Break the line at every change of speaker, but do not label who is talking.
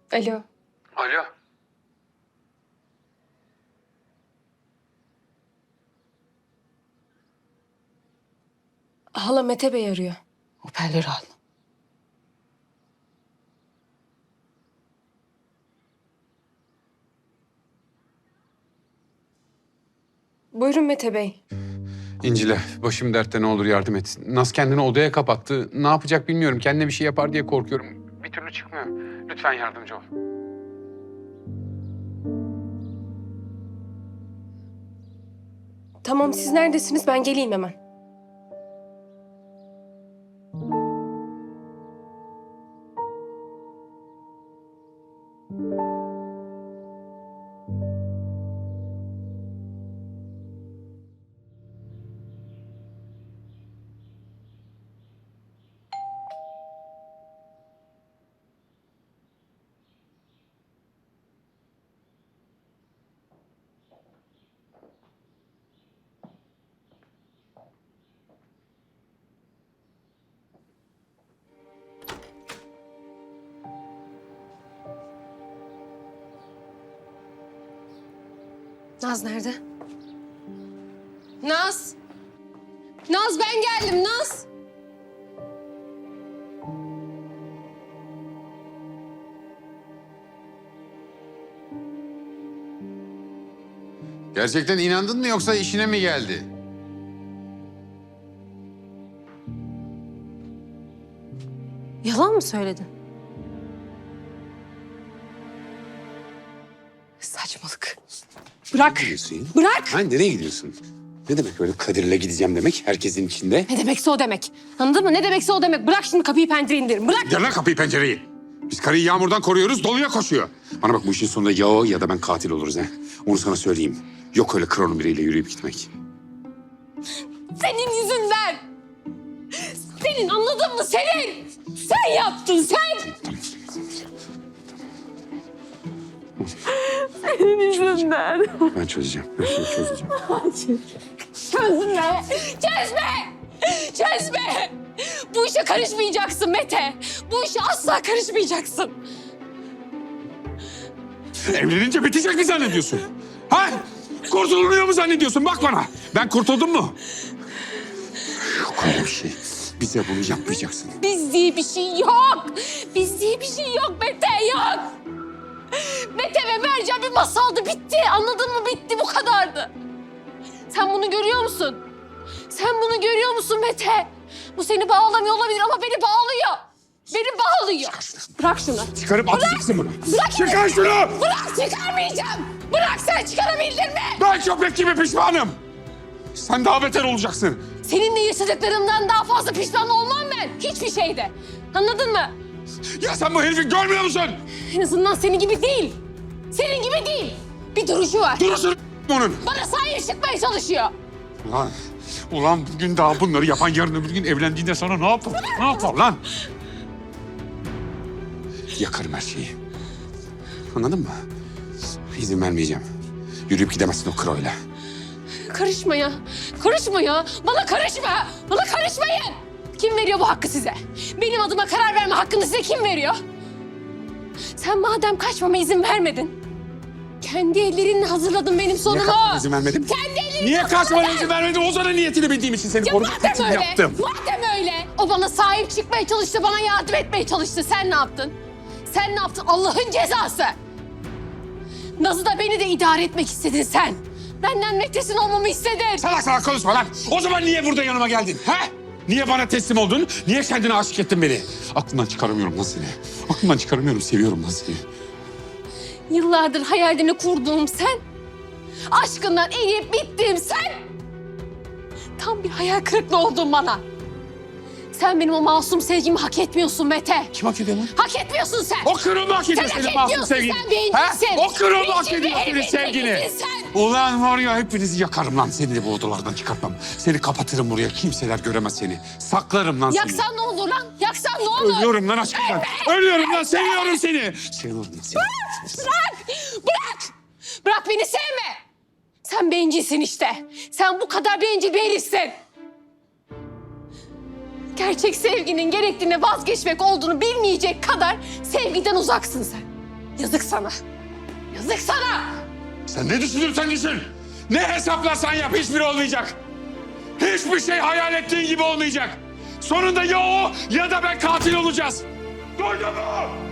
Alo.
Alo.
Hala Mete Bey arıyor.
Hoparlörü al.
Buyurun Mete Bey.
İncile, başım dertte, ne olur yardım et. Naz kendini odaya kapattı. Ne yapacak bilmiyorum. Kendine bir şey yapar diye korkuyorum. Bir türlü çıkmıyor. Lütfen yardımcı ol.
Tamam, siz neredesiniz? Ben geleyim hemen. Naz nerede? Naz! Naz, ben geldim Naz!
Gerçekten inandın mı yoksa işine mi geldi?
Yalan mı söyledin? Saçmalık. Bırak!
Gidiyorsun.
Bırak!
Ha, nereye gidiyorsun? Ne demek böyle Kadir'le gideceğim demek herkesin içinde?
Ne demekse o demek. Anladın mı? Ne demekse o demek. Bırak şimdi kapıyı pencereyi indirin. Bırak!
Gel lan kapıyı pencereyi. Biz karıyı yağmurdan koruyoruz, doluya koşuyor. Bana bak, bu işin sonunda ya o ya da ben katil oluruz ha. Onu sana söyleyeyim. Yok öyle kronun biriyle yürüyüp gitmek.
Senin yüzünden! Senin, anladın mı? Senin! Sen yaptın, sen! Senin yüzünden.
Ben çözeceğim. Ben seni çözeceğim.
Çözme! Çözme! Çözme! Bu işe karışmayacaksın Mete. Bu işe asla karışmayacaksın.
Evlenince bitecek mi zannediyorsun? Ha? Kurtulunuyor mu zannediyorsun? Bak bana. Ben kurtuldum mu? Yok öyle bir şey. Bize bunu yapmayacaksın.
Biz diye bir şey yok. Biz diye bir şey yok Mete, yok. Mete ve Mercan bir masaldı, bitti. Anladın mı? Bitti, bu kadardı. Sen bunu görüyor musun? Sen bunu görüyor musun Mete? Bu seni bağlamıyor olabilir ama beni bağlıyor. Beni bağlıyor. Bırak şunu.
Çıkarıp atacaksın bunu.
Bırak!
Çıkar şunu!
Bırak, çıkarmayacağım. Bırak, sen çıkarabildin mi?
Ben köpek gibi pişmanım. Sen daha beter olacaksın.
Seninle yaşadıklarımdan daha fazla pişman olmam ben. Hiçbir şeyde. Anladın mı?
Ya sen bu herifi görmüyor musun?
En azından senin gibi değil. Senin gibi değil. Bir duruşu var.
Durursun onun.
Bana sahip çıkmaya çalışıyor.
Ulan bugün daha bunları yapan, yarın öbür gün evlendiğinde sana ne yapar? Ne yapar lan? Yakarım her şeyi. Anladın mı? İzin vermeyeceğim. Yürüyüp gidemezsin o kroyla.
Karışma ya. Karışma ya. Bana karışma. Bana karışmayın. Kim veriyor bu hakkı size? Benim adıma karar verme hakkını size kim veriyor? Sen madem kaçmama izin vermedin, kendi ellerinle hazırladın benim
Niye
sonumu.
kaçmana izin vermedim?
Kendi ellerinle
Niye kaçmana
hazırladın.
izin vermedim? O zaman niyetini bildiğim için seni
Ya
korumak
madem
için
öyle,
yaptım.
madem öyle. O bana sahip çıkmaya çalıştı, bana yardım etmeye çalıştı. Sen ne yaptın? Sen ne yaptın? Allah'ın cezası. Naz'ı da beni de idare etmek istedin sen. Benden Mete'sin olmamı istedin.
Salak salak konuşma lan. O zaman niye burada yanıma geldin? He? Niye bana teslim oldun? Niye kendine aşık ettin beni? Aklımdan çıkaramıyorum lan seni. Aklımdan çıkaramıyorum. Seviyorum lan seni.
Yıllardır hayalini kurduğum sen. Aşkından eriyip bittiğim sen. Tam bir hayal kırıklığı oldun bana. Sen benim o masum sevgimi hak etmiyorsun Mete.
Kim hak ediyor lan?
Hak etmiyorsun sen.
O kırıl mı hak ediyor
Sen
senin
hak
masum
etmiyorsun,
sevgini?
sen bencilsin.
He? O kırıl mı hak
Bencil
ediyor
bir
senin
herifin
sevgini?
tekisin sen.
Ulan var ya, hepinizi yakarım lan. Seni de bu odalardan çıkartmam. Seni kapatırım buraya. Kimseler göremez seni. Saklarım lan seni.
Yaksan ne olur lan? Yaksan ne olur?
Ölüyorum lan aşkından. Ölüyorum lan. Seviyorum seni. Seviyorum lan seni.
Bırak! Bırak! Bırak, beni sevme! Sen bencilsin işte. Sen bu kadar bencil bir herifsin. Gerçek sevginin gerektiğine vazgeçmek olduğunu bilmeyecek kadar sevgiden uzaksın sen. Yazık sana. Yazık sana.
Sen ne düşünürsen düşün. Ne hesaplarsan yap hiçbiri olmayacak. Hiçbir şey hayal ettiğin gibi olmayacak. Sonunda ya o ya da ben katil olacağız. Duydun mu?